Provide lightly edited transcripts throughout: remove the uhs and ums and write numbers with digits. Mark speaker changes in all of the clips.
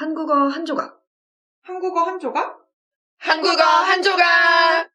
Speaker 1: 한국어 한 조각.
Speaker 2: 한국어 한 조각?
Speaker 3: 한국어 한 조각!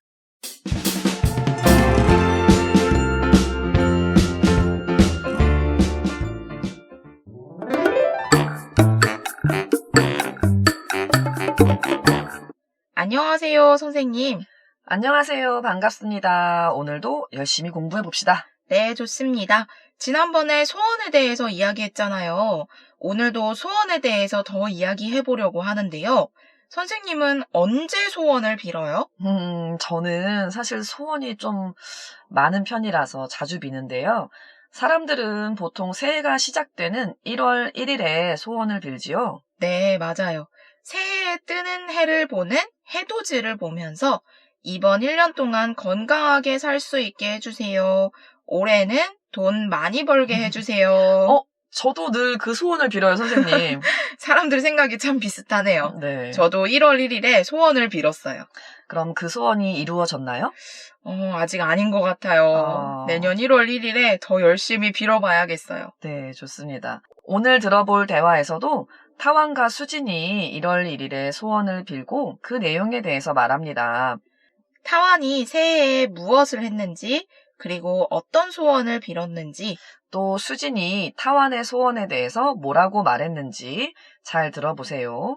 Speaker 4: 안녕하세요, 선생님.
Speaker 1: 안녕하세요. 반갑습니다. 오늘도 열심히 공부해 봅시다.
Speaker 4: 네, 좋습니다. 지난번에 소원에 대해서 이야기했잖아요. 오늘도 소원에 대해서 더 이야기해 보려고 하는데요. 선생님은 언제 소원을 빌어요?
Speaker 1: 저는 사실 소원이 좀 많은 편이라서 자주 비는데요. 사람들은 보통 새해가 시작되는 1월 1일에 소원을 빌지요.
Speaker 4: 네, 맞아요. 새해에 뜨는 해를 보는 해돋이를 보면서 이번 1년 동안 건강하게 살 수 있게 해주세요. 올해는 돈 많이 벌게 해주세요.
Speaker 1: 저도 늘 그 소원을 빌어요, 선생님.
Speaker 4: 사람들 생각이 참 비슷하네요.
Speaker 1: 네.
Speaker 4: 저도 1월 1일에 소원을 빌었어요.
Speaker 1: 그럼 그 소원이 이루어졌나요?
Speaker 4: 아직 아닌 것 같아요. 내년 1월 1일에 더 열심히 빌어봐야겠어요.
Speaker 1: 네, 좋습니다. 오늘 들어볼 대화에서도 타완과 수진이 1월 1일에 소원을 빌고 그 내용에 대해서 말합니다.
Speaker 4: 타완이 새해에 무엇을 했는지, 그리고 어떤 소원을 빌었는지,
Speaker 1: 또 수진이 타완의 소원에 대해서 뭐라고 말했는지 잘 들어보세요.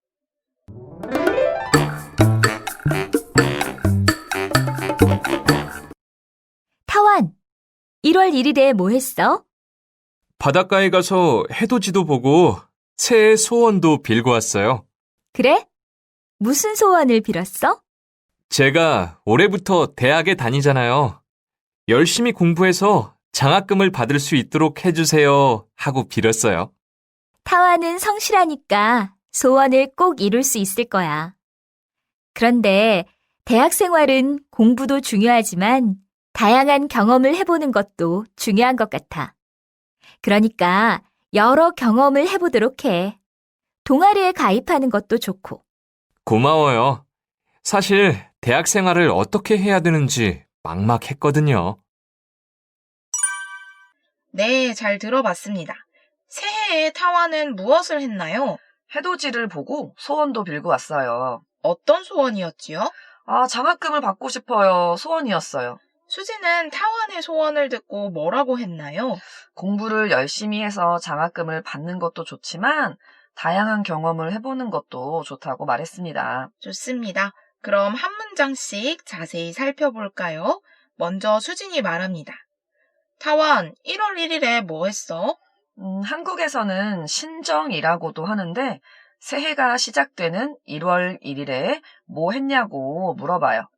Speaker 5: 타완, 1월 1일에 뭐 했어?
Speaker 6: 바닷가에 가서 해돋이도 보고 새해 소원도 빌고 왔어요.
Speaker 5: 그래? 무슨 소원을 빌었어?
Speaker 6: 제가 올해부터 대학에 다니잖아요. 열심히 공부해서 장학금을 받을 수 있도록 해주세요 하고 빌었어요.
Speaker 5: 타완은 성실하니까 소원을 꼭 이룰 수 있을 거야. 그런데 대학 생활은 공부도 중요하지만 다양한 경험을 해보는 것도 중요한 것 같아. 그러니까 여러 경험을 해보도록 해. 동아리에 가입하는 것도 좋고.
Speaker 6: 고마워요. 사실 대학 생활을 어떻게 해야 되는지 막막했거든요.
Speaker 4: 네, 잘 들어봤습니다. 새해에 타완은 무엇을 했나요?
Speaker 1: 해돋이를 보고 소원도 빌고 왔어요.
Speaker 4: 어떤 소원이었지요?
Speaker 1: 장학금을 받고 싶어요. 소원이었어요.
Speaker 4: 수지는 타완의 소원을 듣고 뭐라고 했나요?
Speaker 1: 공부를 열심히 해서 장학금을 받는 것도 좋지만 다양한 경험을 해보는 것도 좋다고 말했습니다.
Speaker 4: 좋습니다. 그럼 한 문장씩 자세히 살펴볼까요? 먼저 수진이 말합니다. 타완, 1월 1일에 뭐 했어?
Speaker 1: 한국에서는 신정이라고도 하는데 새해가 시작되는 1월 1일에 뭐 했냐고 물어봐요.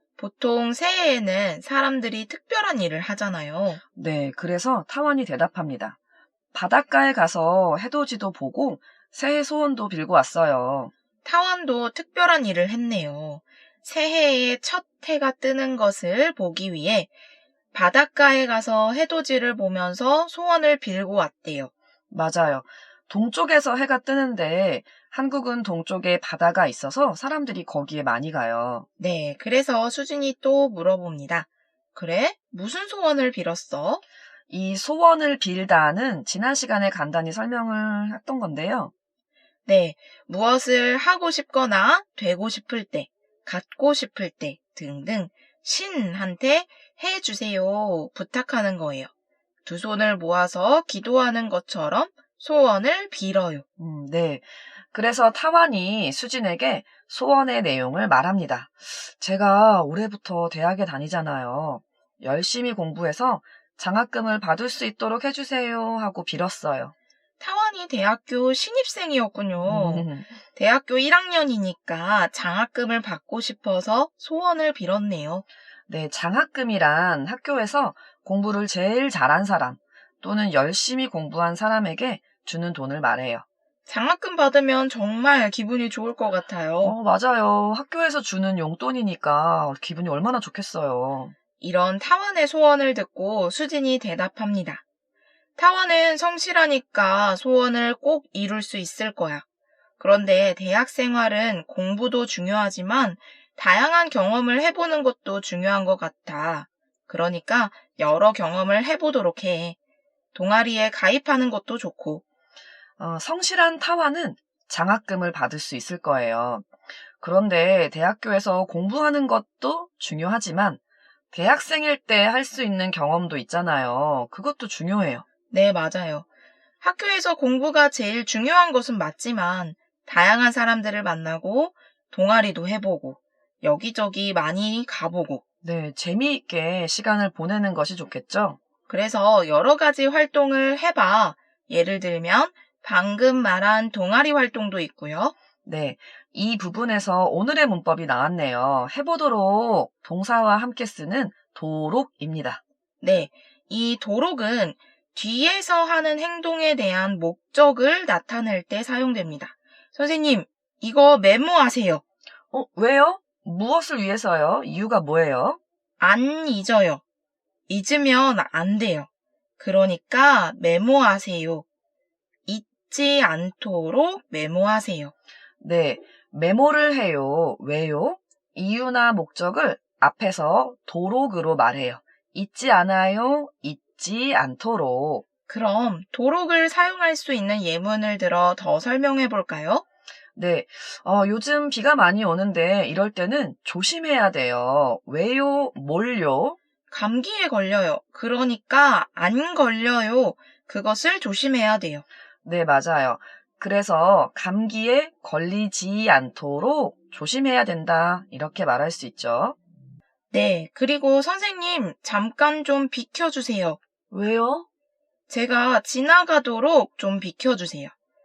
Speaker 4: 보통 새해에는 사람들이 특별한 일을 하잖아요.
Speaker 1: 네, 그래서 타완이 대답합니다. 바닷가에 가서 해돋이도 보고 새해 소원도 빌고 왔어요.
Speaker 4: 타완도 특별한 일을 했네요. 새해의 첫 해가 뜨는 것을 보기 위해 바닷가에 가서 해돋이를 보면서 소원을 빌고 왔대요.
Speaker 1: 맞아요. 동쪽에서 해가 뜨는데 한국은 동쪽에 바다가 있어서 사람들이 거기에 많이 가요.
Speaker 4: 네, 그래서 수진이 또 물어봅니다. 그래? 무슨 소원을 빌었어?
Speaker 1: 이 소원을 빌다는 지난 시간에 간단히 설명을 했던 건데요.
Speaker 4: 네, 무엇을 하고 싶거나 되고 싶을 때, 갖고 싶을 때 등등 신한테 해주세요 부탁하는 거예요. 두 손을 모아서 기도하는 것처럼 소원을 빌어요.
Speaker 1: 네. 그래서 타완이 수진에게 소원의 내용을 말합니다. 제가 올해부터 대학에 다니잖아요. 열심히 공부해서 장학금을 받을 수 있도록 해주세요 하고 빌었어요.
Speaker 4: 타완이 대학교 신입생이었군요. 대학교 1학년이니까 장학금을 받고 싶어서 소원을 빌었네요.
Speaker 1: 네, 장학금이란 학교에서 공부를 제일 잘한 사람 또는 열심히 공부한 사람에게 주는 돈을 말해요.
Speaker 4: 장학금 받으면 정말 기분이 좋을 것 같아요.
Speaker 1: 맞아요. 학교에서 주는 용돈이니까 기분이 얼마나 좋겠어요.
Speaker 4: 이런 타완의 소원을 듣고 수진이 대답합니다. 타완은 성실하니까 소원을 꼭 이룰 수 있을 거야. 그런데 대학 생활은 공부도 중요하지만 다양한 경험을 해보는 것도 중요한 것 같아. 그러니까 여러 경험을 해보도록 해. 동아리에 가입하는 것도 좋고.
Speaker 1: 성실한 타완은 장학금을 받을 수 있을 거예요. 그런데 대학교에서 공부하는 것도 중요하지만 대학생일 때 할 수 있는 경험도 있잖아요. 그것도 중요해요.
Speaker 4: 네, 맞아요. 학교에서 공부가 제일 중요한 것은 맞지만 다양한 사람들을 만나고 동아리도 해보고 여기저기 많이 가보고
Speaker 1: 네, 재미있게 시간을 보내는 것이 좋겠죠?
Speaker 4: 그래서 여러 가지 활동을 해봐. 예를 들면 방금 말한 동아리 활동도 있고요.
Speaker 1: 네, 이 부분에서 오늘의 문법이 나왔네요. 해보도록 동사와 함께 쓰는 도록입니다.
Speaker 4: 네, 이 도록은 뒤에서 하는 행동에 대한 목적을 나타낼 때 사용됩니다. 선생님, 이거 메모하세요.
Speaker 1: 왜요? 무엇을 위해서요? 이유가 뭐예요?
Speaker 4: 안 잊어요. 잊으면 안 돼요. 그러니까 메모하세요. 잊지 않도록 메모하세요.
Speaker 1: 네, 메모를 해요. 왜요? 이유나 목적을 앞에서 도록으로 말해요. 잊지 않아요. 잊지 않도록.
Speaker 4: 그럼 도록을 사용할 수 있는 예문을 들어 더 설명해 볼까요?
Speaker 1: 네, 요즘 비가 많이 오는데 이럴 때는 조심해야 돼요. 왜요? 뭘요?
Speaker 4: 감기에 걸려요. 그러니까 안 걸려요. 그것을 조심해야 돼요.
Speaker 1: 네, 맞아요. 그래서 감기에 걸리지 않도록 조심해야 된다. 이렇게 말할 수 있죠.
Speaker 4: 네, 그리고 선생님, 잠깐 좀 비켜주세요.
Speaker 1: 왜요?
Speaker 4: 제가 지나가도록 좀 비켜주세요.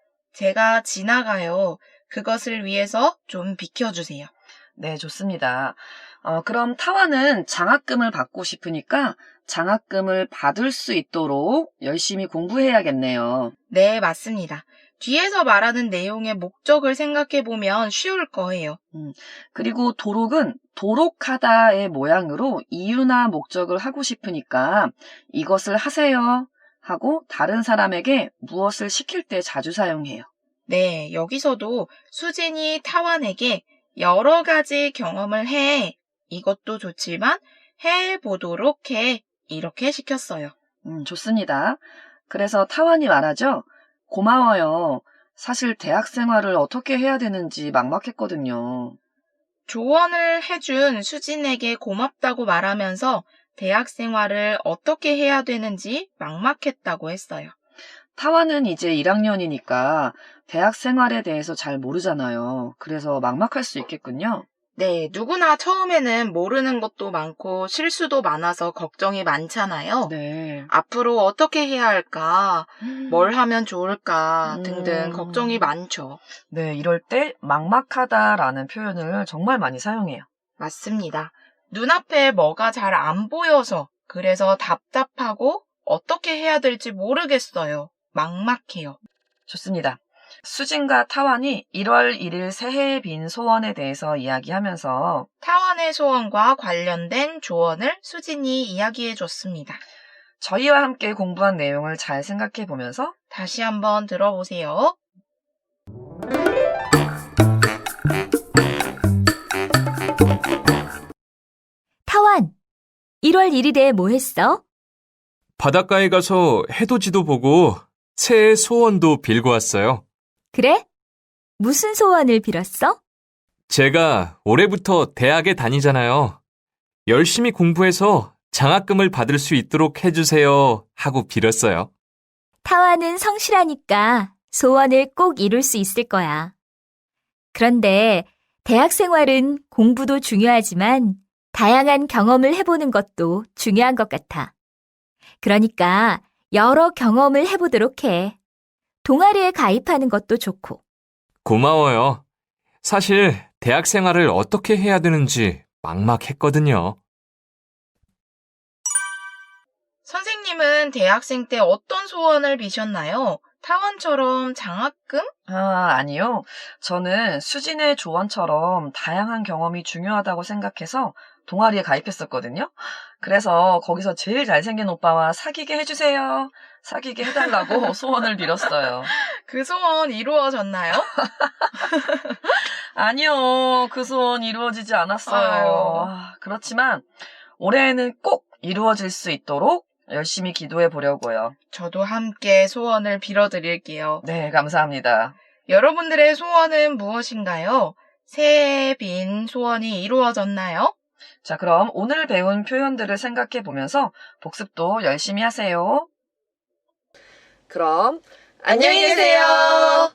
Speaker 4: 제가 지나가요. 그것을 위해서 좀 비켜주세요.
Speaker 1: 네, 좋습니다. 그럼 타와는 장학금을 받고 싶으니까 장학금을 받을 수 있도록 열심히 공부해야겠네요.
Speaker 4: 네, 맞습니다. 뒤에서 말하는 내용의 목적을 생각해보면 쉬울 거예요.
Speaker 1: 그리고 도록은 도록하다의 모양으로 이유나 목적을 하고 싶으니까 이것을 하세요 하고 다른 사람에게 무엇을 시킬 때 자주 사용해요.
Speaker 4: 네, 여기서도 수진이 타완에게 여러 가지 경험을 해. 이것도 좋지만 해보도록 해. 이렇게 시켰어요.
Speaker 1: 좋습니다. 그래서 타완이 말하죠. 고마워요. 사실 대학 생활을 어떻게 해야 되는지 막막했거든요.
Speaker 4: 조언을 해준 수진에게 고맙다고 말하면서 대학 생활을 어떻게 해야 되는지 막막했다고 했어요.
Speaker 1: 타완은 이제 1학년이니까 대학 생활에 대해서 잘 모르잖아요. 그래서 막막할 수 있겠군요.
Speaker 4: 네, 누구나 처음에는 모르는 것도 많고 실수도 많아서 걱정이 많잖아요.
Speaker 1: 네.
Speaker 4: 앞으로 어떻게 해야 할까, 뭘 하면 좋을까 등등
Speaker 1: 음.
Speaker 4: 걱정이 많죠.
Speaker 1: 네, 이럴 때 막막하다라는 표현을 정말 많이 사용해요.
Speaker 4: 맞습니다. 눈앞에 뭐가 잘 안 보여서 그래서 답답하고 어떻게 해야 될지 모르겠어요. 막막해요.
Speaker 1: 좋습니다. 수진과 타완이 1월 1일 새해에 빈 소원에 대해서 이야기하면서
Speaker 4: 타완의 소원과 관련된 조언을 수진이 이야기해 줬습니다.
Speaker 1: 저희와 함께 공부한 내용을 잘 생각해 보면서
Speaker 4: 다시 한번 들어보세요.
Speaker 5: 타완, 1월 1일에 뭐 했어?
Speaker 6: 바닷가에 가서 해돋이도 보고 새해 소원도 빌고 왔어요.
Speaker 5: 그래? 무슨 소원을 빌었어?
Speaker 6: 제가 올해부터 대학에 다니잖아요. 열심히 공부해서 장학금을 받을 수 있도록 해주세요 하고 빌었어요.
Speaker 5: 타완은 성실하니까 소원을 꼭 이룰 수 있을 거야. 그런데 대학 생활은 공부도 중요하지만 다양한 경험을 해보는 것도 중요한 것 같아. 그러니까 여러 경험을 해보도록 해. 동아리에 가입하는 것도 좋고.
Speaker 6: 고마워요. 사실 대학 생활을 어떻게 해야 되는지 막막했거든요.
Speaker 4: 선생님은 대학생 때 어떤 소원을 비셨나요? 타원처럼 장학금?
Speaker 1: 아니요. 저는 수진의 조언처럼 다양한 경험이 중요하다고 생각해서 동아리에 가입했었거든요. 그래서 거기서 제일 잘생긴 오빠와 사귀게 해주세요. 사귀게 해달라고 소원을 빌었어요.
Speaker 4: 그 소원 이루어졌나요?
Speaker 1: 아니요. 그 소원 이루어지지 않았어요. 그렇지만 올해에는 꼭 이루어질 수 있도록 열심히 기도해 보려고요.
Speaker 4: 저도 함께 소원을 빌어드릴게요.
Speaker 1: 네, 감사합니다.
Speaker 4: 여러분들의 소원은 무엇인가요? 새해에 빈 소원이 이루어졌나요?
Speaker 1: 자, 그럼 오늘 배운 표현들을 생각해 보면서 복습도 열심히 하세요. 그럼
Speaker 3: 안녕히 계세요.